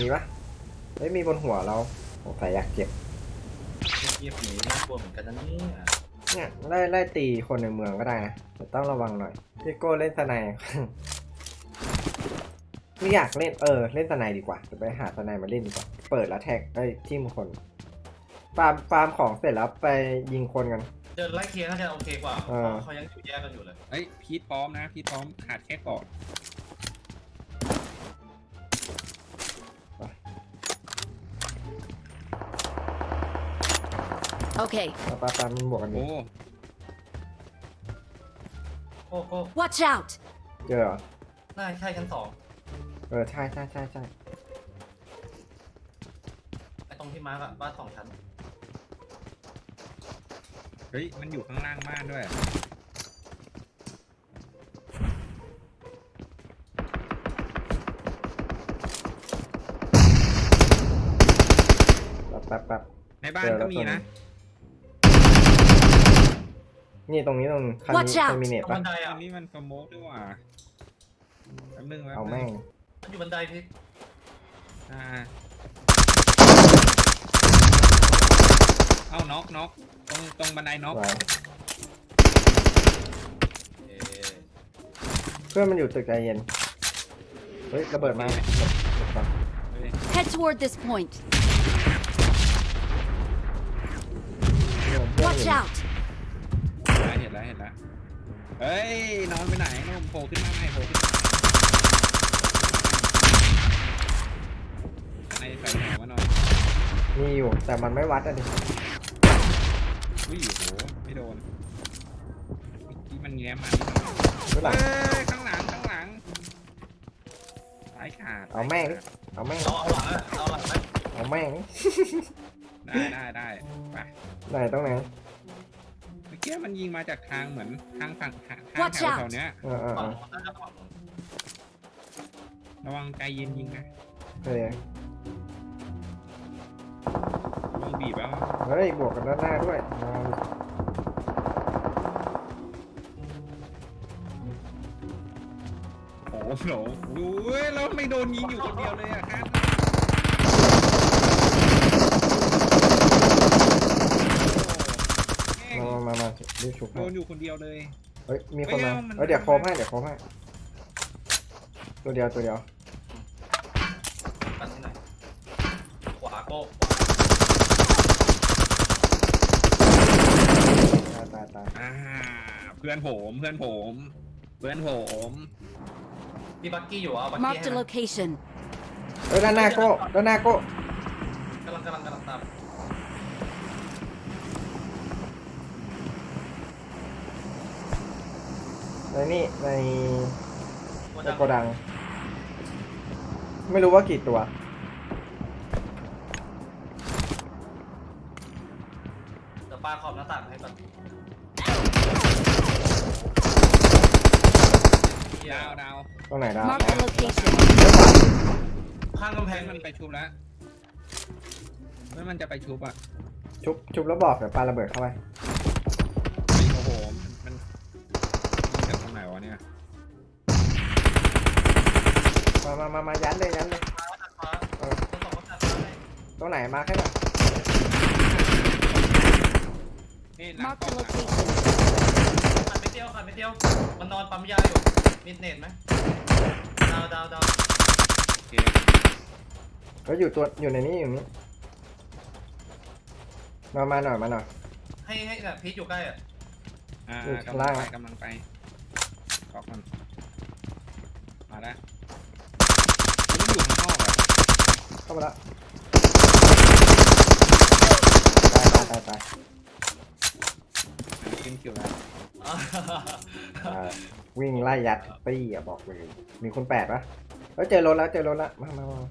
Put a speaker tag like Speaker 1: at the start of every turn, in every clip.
Speaker 1: มีปะไม่มีบนหัวเราสงสัยอยากเก็บ
Speaker 2: เงียบๆนี้น่ากลัวเหมือนกันนะ
Speaker 1: เนี่ยไล่ตีคนในเมืองก็ได้นะแต่ต้องระวังหน่อยพี่โก้เล่นสไนด์ ไม่อยากเล่นเล่นสไนด์ดีกว่าจะไปหาสไนด์มาเล่นดีกว่าเปิดแล้วแท็กทิมคนฟาร์มของเสร็จแล้วไปยิงคนกัน
Speaker 2: เดินไล่เคลียร์น่าจะโอเคกว่าเขายังอยู่แยกกันอยู่เลย
Speaker 3: เฮ้ยพีทพร้อมนะพีทพร้อมขาดแค่เกาะ
Speaker 4: โอเค
Speaker 1: ปามันบวกกันอยู่
Speaker 2: โอ้
Speaker 4: Watch out
Speaker 1: เจอเหรอ
Speaker 2: น่าใช่ชั้น2
Speaker 1: ใช่
Speaker 2: ไอ้ตรงที่มาร์กอะบ้าน2 ชั้น
Speaker 3: เฮ้ยมันอยู่ข้างล่างบ้านด้วย
Speaker 1: แป๊บ
Speaker 3: ในบ้านก็มีนะ
Speaker 1: นี่ตรงนี้คันนี้มีเน็ตปะ
Speaker 3: อันนี้มันสโมกด้วยว่ะแป๊บนึง
Speaker 1: เอาแม่ง
Speaker 2: มันอยู่บันไดพี่
Speaker 3: เอาน็อกตรงบันไดน็อก
Speaker 1: เพื่อนมันอยู่ตึกใจเย็นเฮ้ยระเบิดมา
Speaker 4: Head toward this point Watch out
Speaker 3: เห็นแล้วเฮ้ยนอนไปไหนนอนโผล่ขึ้นมาไหนโผล่ขึ้นมาในใส่แหนมาหน่อย
Speaker 1: มีอยู่แต่มันไม่วัดอ่ะดิ
Speaker 3: อุ้ยโหไม่โดนที่มันแง้มมาข้างหลังสายขาด
Speaker 1: เอาแม่ง
Speaker 2: เอาหลัง
Speaker 1: เอาแม่ง
Speaker 3: ได้ไป
Speaker 1: ไหนตรงไหน
Speaker 3: เมื่อกี้มันยิงมาจากทางเหมือนทางฝั่งทางแถวเนี้ยระวังใจเย็นยิงนะลงบีบแล้ว
Speaker 1: เฮ้ยบวกกันด้านหน้าด้วย
Speaker 3: โอ้โหดูแล้วไม่โดนยิงอยู่คนเดียวเลยอะครับ
Speaker 1: มารีบฉุก
Speaker 3: โดนอยู่คนเดียวเลย
Speaker 1: เฮ้ยมีคนมาเดี๋ยวโคมให้ตัวเดียว
Speaker 2: ปัดที่ไหนขวาโก้
Speaker 1: ตาย
Speaker 3: เพื่อนผม
Speaker 2: มีบักกี้อยู่บักกี้
Speaker 4: Mark the location
Speaker 1: ด้านหน้าโก้กำลัง
Speaker 2: ตาม
Speaker 1: ในโกดังไม่รู้ว่ากี่ตัว
Speaker 2: จะปาขอบหน้าต่างให้ก่อน
Speaker 3: ดาว
Speaker 1: ตรงไหนดาว
Speaker 4: Mark the location
Speaker 2: ข้างกำแพง
Speaker 3: มันไปชุบแล้วมันจะไปชุบอะ
Speaker 1: ชุบแล้วบอกเดี๋ยวปาระเบิดเข้าไป
Speaker 3: โอ้โหมันจากตรงไหนวะเนี่ย
Speaker 1: มายันเลยตรงไหนมาแค่ไหน
Speaker 4: Mark the location
Speaker 2: ขาดไม่เดียวมันนอนปั๊มยาอยู่มิดเนตไหมดาว
Speaker 1: ก็อยู่ในนี้มาหน่อย
Speaker 2: ให้แบบพีชอยู่ใกล้อ่ะ
Speaker 3: กำลังไปขอก่อนมาแล้วมันอยู่ข้างนอก
Speaker 1: เข้ามาแล้วตาย
Speaker 3: ขึ้นคิวแล้ว
Speaker 1: วิ่งไล่ยัดปี้บอกเลยมีคน8ปะแล้วเจอรถแล้วมา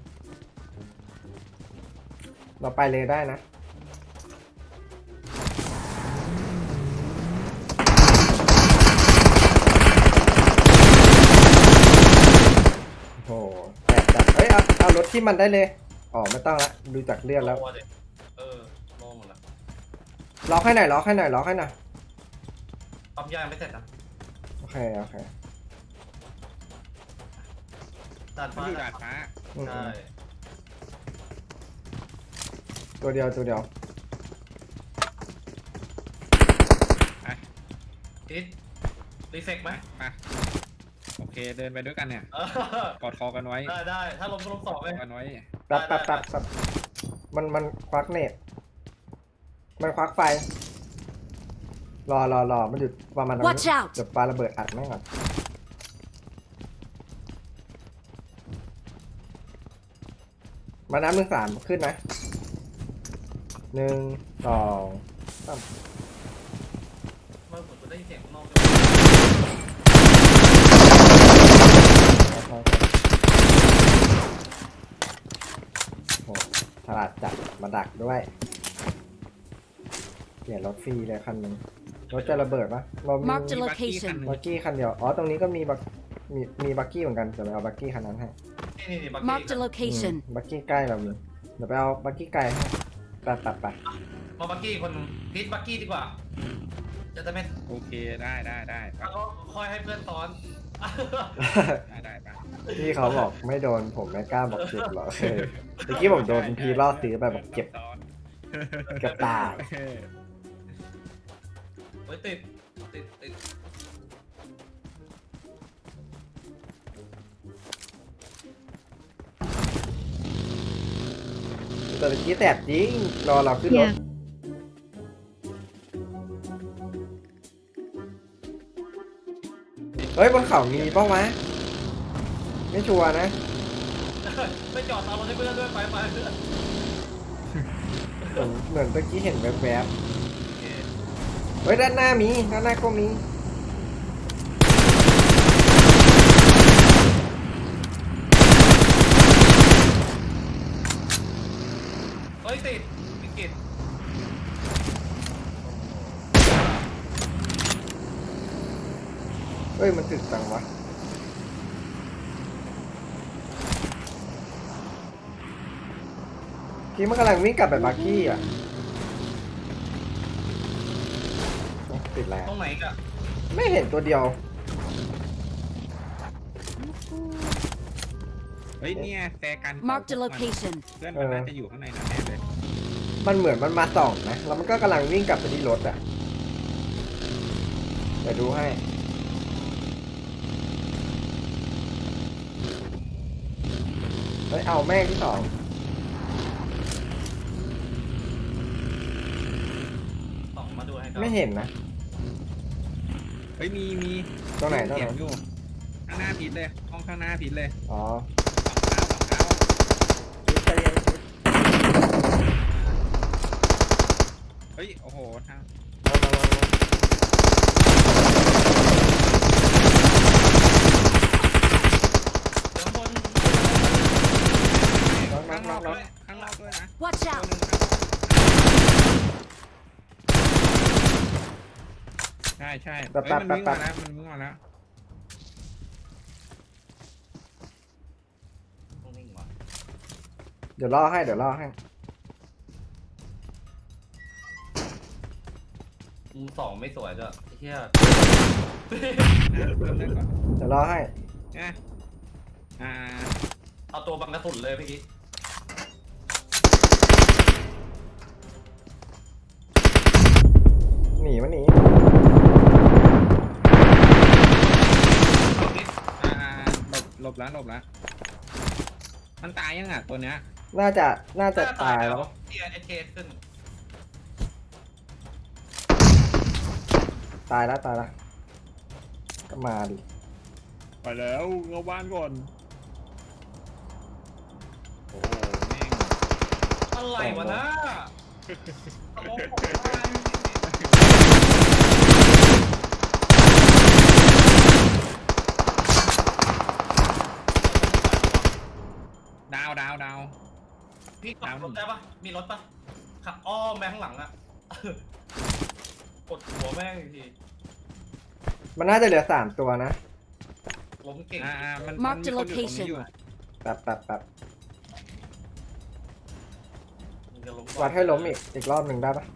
Speaker 1: เราไปเลยได้นะโอ้แตกจัดเอารถที่มันได้เลยไม่ต้องละดูจากเลือดแล้ว
Speaker 2: มองหมดแล้ว
Speaker 1: ล็อกให้หน่อย
Speaker 2: ปั๊มยาไม่เสร็จนะ
Speaker 1: โอเค
Speaker 2: ดาดฟ้า
Speaker 3: ใช่
Speaker 1: ตัวเดียวตัวเดียว
Speaker 3: ไป
Speaker 2: ทิศรีเฟกไหม
Speaker 3: ไปโอเคเดินไปด้วยกันเนี่ย
Speaker 2: เออก
Speaker 3: อดคอกันไว้
Speaker 2: ได้ถ้าล้มก็ล้มสอง
Speaker 3: ก
Speaker 2: เล
Speaker 3: อย ดกันไว้
Speaker 1: แป๊บมันควักเน็ตมันควักไฟรอมันหยุดประมาณนั้น
Speaker 4: Watch out
Speaker 1: เดี๋ยวปาระเบิดอัดแม่งก่อนมาน้ำ1-3ขึ้นไหม1 2 3
Speaker 2: เมื่อผมได้ยินเสียงข้างนอก
Speaker 1: โอ้ฉลาดจัดมาดักด้วยเปลี่ยนรถฟรีเลยคันหนึงรถจะระเบิดปะเรามี
Speaker 4: Marked a
Speaker 3: มีบักกี้คัน
Speaker 4: location.
Speaker 3: หนึ่ง
Speaker 1: บักกี้คันเดียวอ๋อตรงนี้ก็มีมีบักกี้เหมือนกันเดี๋ยวไปเอาบักกี้คันนั้นให้
Speaker 2: นี่บัก
Speaker 4: Marked
Speaker 2: กี้
Speaker 4: a location.
Speaker 1: บักกี้ใกล้เรามีเดี๋ยวไปเอาบักกี้ไกลให้ไป
Speaker 2: มาบักกี้คนพีทบักกี้ดีกว่าจะไม่
Speaker 3: โอเคได้ไป
Speaker 2: แล้วก็ค่อยให้เพื่อนซ้อน
Speaker 3: ได้ไป
Speaker 1: พี่เขาบอกไม่โดนผมไม่กล้าบอกเจ็บหรอกเมื่อกี้ผมโดนพีล่อซื้อไปบอกเจ็บ
Speaker 3: ซ้อน
Speaker 1: เกือบตาย
Speaker 2: เฮ้ยติด
Speaker 1: แต่เมื่อกี้แสบจริงรอเราขึ้นรถเฮ้ยบนเขามีเป้าวะไม่ชัวร์นะ
Speaker 2: ไม่จอดเอารถให้เพื่อนด้วยไป
Speaker 1: เหมือนเมื่อกี้เห็นแวบๆเฮ้ยด้านหน้าก็มี
Speaker 2: เฮ้ยติดวิกฤต
Speaker 1: เฮ้ยมันถึกจังวะกี้มันกำลังวิ่งกลับไปบาร์กี้อ่ะติดแล้ว
Speaker 2: ตรงไหนกะ
Speaker 1: ไม่เห็นตัวเดียว
Speaker 3: เฮ้ยเนี่ยแซกัน
Speaker 4: Marked a location.
Speaker 3: เพื่อนมันน่าจะอยู่ข้างในนั้นแน่เลย
Speaker 1: มันเหมือนมันมาส่องนะแล้วมันก็กำลังวิ่งกลับไปที่รถอ่ะเดี๋ยวดูให้เฮ้ยเอาแม่งที่สอง
Speaker 2: ส่องมาดูให้
Speaker 1: ไม่เห็นนะ
Speaker 3: เฮ้ยมี
Speaker 1: ตรงไหน
Speaker 3: เสียงอยู่ข้างหน้าผิดเลยห้องข้างหน้าผิดเลย
Speaker 1: อ๋อ
Speaker 3: สองเท้า
Speaker 1: คิดไปเรียนคิด
Speaker 3: เฮ้ยโอ้โหทาง
Speaker 2: เดี๋ยวบน
Speaker 3: ข้างนอกด้วยข้างนอกด้วยนะ
Speaker 4: Watch
Speaker 3: ตัว
Speaker 4: out.
Speaker 3: หนึ่งครับใช่เฮ้ยมันวิ่งมาแล้ว
Speaker 2: ต้องนิ่งว่ะ
Speaker 1: เดี๋ยวล่อให้
Speaker 2: มุมสองไม่สวยด้วยไอ้เหี้ย
Speaker 3: เริ่มได้ก่อน
Speaker 1: เดี๋ยวล่อให้
Speaker 3: นะอ่า
Speaker 2: เอาตัวบังกระสุนเลยพี่กิ๊ก
Speaker 1: หนีมันหนี
Speaker 2: เอากิ๊ก
Speaker 3: หลบแล้วมันตายยังอ่ะตัวเนี้ย
Speaker 1: น่าจะตายแล้ว
Speaker 2: เทียเอเขึ้น
Speaker 1: ตายแล้วก็มาดิ
Speaker 3: ไปแล้วเข้าบ้านก่อนโอ้โหแม่ง
Speaker 2: อะไรวะนะตลกผมว่า
Speaker 3: ดาว
Speaker 2: พี่ขับรถได้ปะมีรถปะขับอ้อมแม่ข้างหลังอะ กดหัวแม่งอีกที
Speaker 1: มันน่าจะเหลือ3ตัวนะ
Speaker 2: ล้มเก่ง
Speaker 3: มัน
Speaker 4: Marked a
Speaker 3: มีคนอยู่ตรงนี้
Speaker 4: location
Speaker 3: อยู่
Speaker 1: แป๊บ
Speaker 2: มึงจะล้ม
Speaker 1: วัดให้ล้มอีกรอบหนึ่งได้ปะ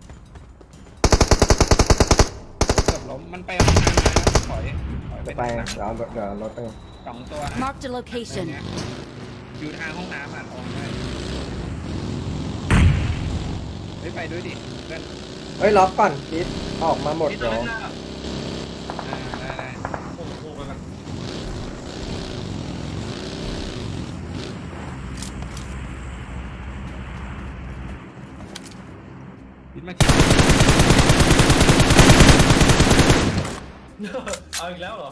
Speaker 3: เกือบล้มมันไปห้องน้ำแล้วถอย
Speaker 1: จะ
Speaker 3: ไป
Speaker 1: ไป
Speaker 3: ทางหลัง
Speaker 1: เดี๋ยวรถไป
Speaker 3: 2 ตัวนะ
Speaker 4: Marked a location.
Speaker 3: อยู่ทางห้องน้ำอ่ะตรงนี้ฮ้ยไปด้วยดิเพื่อน
Speaker 1: เฮ้ยล็อกก่อนพีทออกมาหมด
Speaker 2: พี่
Speaker 1: เดี๋
Speaker 2: จะ
Speaker 1: ยว
Speaker 2: เล่นหน้า
Speaker 3: ได้
Speaker 2: โอ้โหไปกัน
Speaker 3: พิดมาคิด
Speaker 2: เอาอีกแล้วเหรอ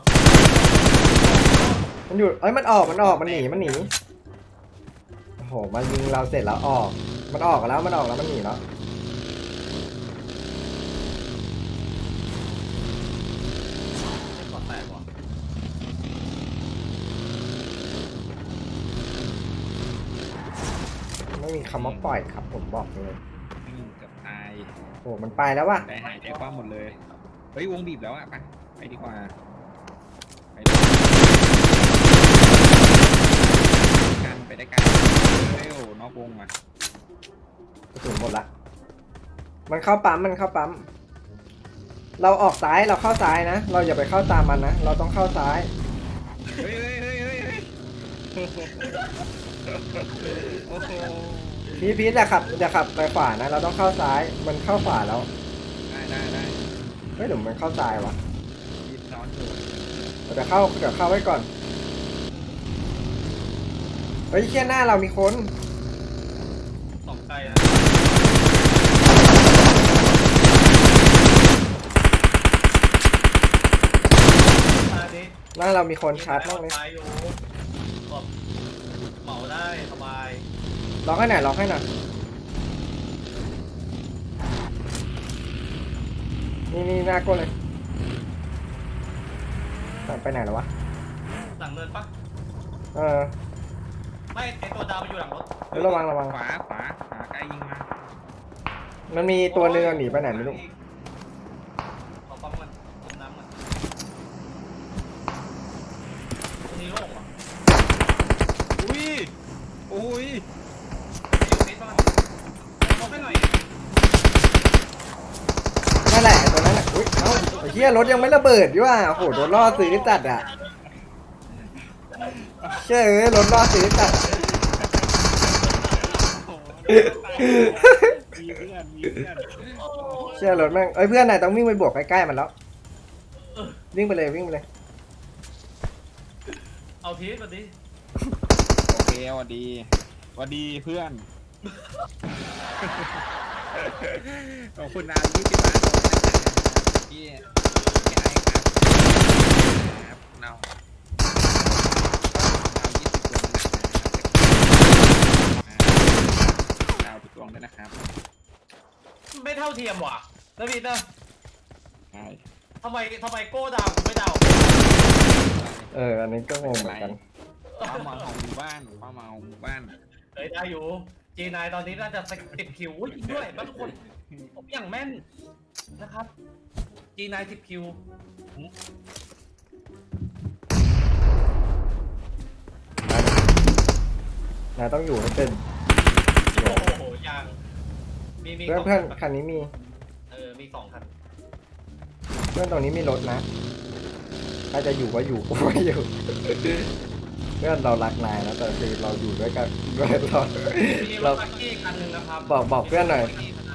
Speaker 1: มันอยู่เอ้ยมันออกมันหนีโอ้โหมายิงเราเสร็จแล้วออกมันออกแล้วมันหนีแล้ว
Speaker 2: ไม่ก่อนแตกว่ะ
Speaker 1: ไม่มีคำว่าปล่อยครับผมบอกเลย
Speaker 3: ไม่งเกือบตาย
Speaker 1: โอ้มันไปแล้วว่ะ
Speaker 3: ได้หายใจคว่ำหมดเลยเฮ้ยวงบีบแล้วอะไปดีกว่าไปได้กันเร็วนอกวงอ่ะ
Speaker 1: กระสุนหมดละมันเข้าปั๊มเราออกซ้ายเราเข้าซ้ายนะเราอย่าไปเข้าตามมันนะเราต้องเข้าซ้าย
Speaker 3: เฮ้ยโอ้โห
Speaker 1: พีทอย่าขับไปขวานะเราต้องเข้าซ้ายมันเข้าขวาแล้ว
Speaker 3: ได้
Speaker 1: เฮ้ยหรือมันเข้าซ้ายวะ
Speaker 3: ยิบซ้อนอยู่
Speaker 1: เดี๋ยวเข้าไว้ก่อนเฮ้ยเชี่ยหน้าเรามีคน
Speaker 2: สองไกลนะอันนี้
Speaker 1: หน้าเรามีคนชาร์จมากเลย
Speaker 2: ตายอยู่แบบเหมาได้สบาย
Speaker 1: ล็อกให้หน่อยนี่หน้าก้นเลยไปไหนแล้ววะ
Speaker 2: หลังเนินปะ
Speaker 1: เออ
Speaker 2: ไม่ไอตัวดาวมันอยู่หลังรถ
Speaker 1: เฮ้ยระวัง
Speaker 3: ขวาใกล้ยิงมา
Speaker 1: มันมีตัวเรือหนีไปไหนไม่รู้
Speaker 2: ขอปั๊มมันปั๊มน้ำมันตัวนี้โล่งว่ะ
Speaker 3: อุ้ย
Speaker 2: อยู่นิดประมาณลงให้หน่อย
Speaker 1: นั่นแหละตัวนั้นแหละอุ้ยเอ้าไอ้เหี้ยรถยังไม่ระเบิดดิว่ะโอ้โหโดนล่อซื้อจัดอ่ะเชื่อรถล่อซื้อจัด
Speaker 3: มีเพื่อน
Speaker 1: เชื่อรถแม่งเพื่อนนายต้องวิ่งไปบวกใกล้ๆมันแล้ววิ่งไปเลย
Speaker 2: เอาทีมาดิ
Speaker 3: โอเคสวัสดีเพื่อนขอบคุณนะ20 ล้านพี่ไอ้ครับเรา20 ดาวทุกดวงด้วยนะครับ
Speaker 2: ไม่เท่าเทียมว่ะนะพี่นะ
Speaker 3: ใช่
Speaker 2: ทำไมโก้ดาวกูไม่ดาว
Speaker 1: อันนี้ก็งงเหมือนกัน
Speaker 3: ความหวังของหมู่บ้าน
Speaker 2: เฮ้ยได้อยู่จีนายตอนนี้น่าจะ10 คิวอุ้ยจริงด้วยบางคนผมอย่างแม่นนะครับจีนาย10 คิวน
Speaker 1: ายต้องอยู่ให้เป็น
Speaker 2: โอ้โหยังมี
Speaker 1: เพื่อนคันนี้มี
Speaker 2: มี2 คัน
Speaker 1: เพื่อนตรงนี้มีรถนะถ้าจะอยู่ก็อยู่กูไม่อยู่เพื่อนเรารักนายนะแต่คือเราอยู่ด้วยกันด้วยเรา
Speaker 2: มีรถคันที่คันหนึ่งนะครับ
Speaker 1: บอกเพื่อนหน่อย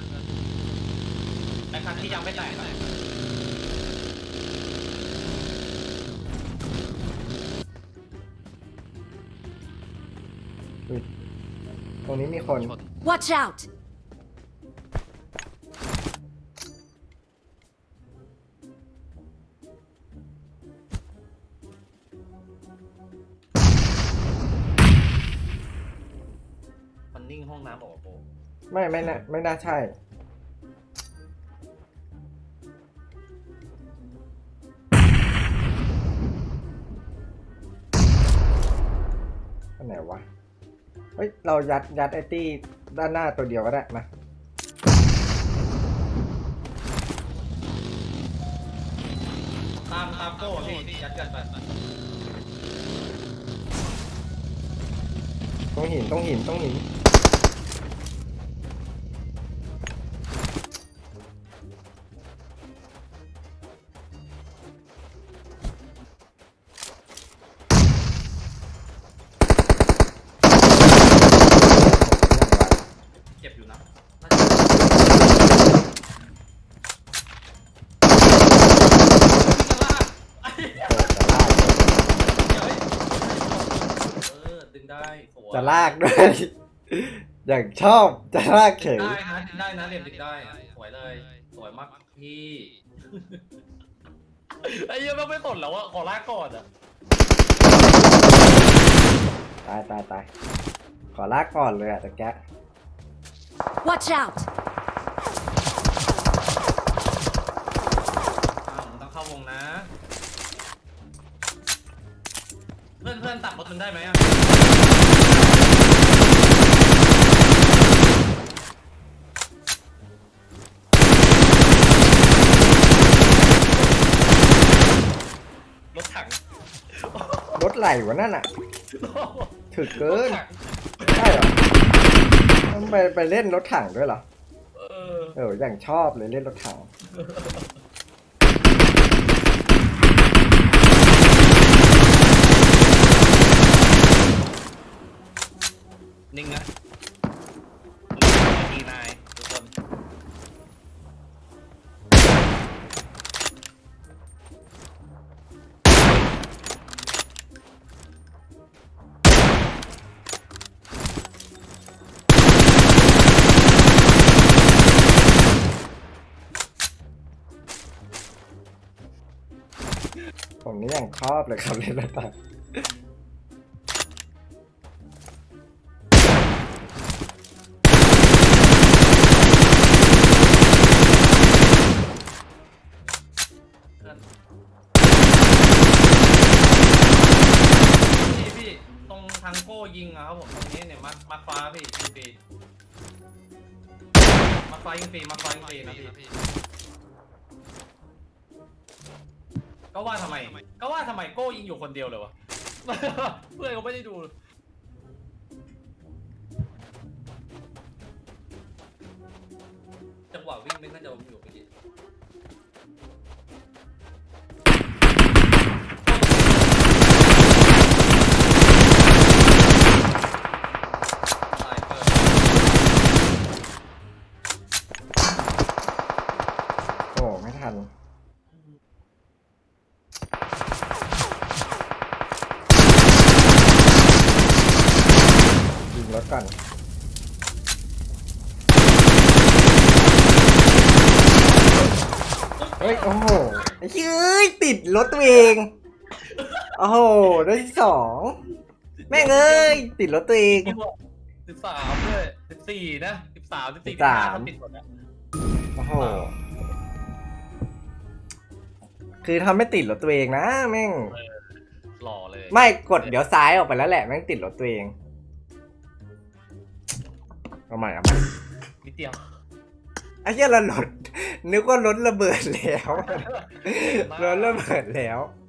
Speaker 2: แต่คันที่ยังไม่แตกนะ
Speaker 1: ตรงนี้มีคน
Speaker 4: Watch out!
Speaker 2: มันนิ่งห้องน้ำบอกว่าโบ
Speaker 1: ไม่น่าใช่อันไหนวะเฮ้ยเรายัดไอ้ตี้ด้านหน้าตัวเดียวก็ได้มา
Speaker 2: ตามโก้พี่ยัดกันไป
Speaker 1: ต้องหิน
Speaker 2: เจ็บอยู่นะน่าจะสวย
Speaker 1: จะลากด้วย อย่างชอบจะลากเฉย
Speaker 2: ได้นะเหลี่ยมติดได้สวยเลยสวยมากพี่ไอ้เหี้ยังไม่สนแล้วอะขอลากก่อนอะ
Speaker 1: ตายขอลากก่อนเลยอะแต่แก
Speaker 4: Watch out!
Speaker 2: มึงต้องเข้าวงนะ เพื่อนตัดรถมึงได้ไหมอะรถถัง
Speaker 1: รถไหลวะนั่นอะถึกเกิน
Speaker 2: รถถัง
Speaker 1: ใช่เหรอต้องไปเล่นรถถังด้วยเหรอ อย่างชอบเลยเล่นรถถัง
Speaker 2: นิ่งนะดีนายทุกคน
Speaker 1: ผมนี่อย่างชอบเลยครับเล่นรถถัง
Speaker 2: เพื่อนพี่ตรงทางโก้ยิงอะครับผมตรงนี้เนี่ยมาฟ้าพี่ยิงฟรีมาฟ้ายิงฟรีนะพี่ก็ว่าทำไมโก้ยิงอยู่คนเดียวเลยวะ เพื่อนเขาไม่ได้ดูจังหวะวิ่งไม่น่าจะอยู่เมื่อกี้ตายเปิด
Speaker 1: โอ้ไม่ทันยิงรถก่อนเฮ้ยโอ้โหไอ้เฮ้ยติดรถตัวเองโอ้โหได้ที่สองแม่งเอ้ยติดรถตัวเอง
Speaker 2: 13ด้วย14นะ13 14
Speaker 1: 13
Speaker 2: 15ติดหมดนะ
Speaker 1: โอ้โหคือทำไม่ติดรถตัวเองนะแม่ง
Speaker 2: หล่อเลย
Speaker 1: ไม่กดเดี๋ยวซ้ายออกไปแล้วแหละแม่งติดรถตัวเองเอาใหม่
Speaker 2: นิดเดียว
Speaker 1: ไอ้เหี้ยละรถนึกว่ารถระเบิดแล้วรถระเบิดแล้ว
Speaker 2: เ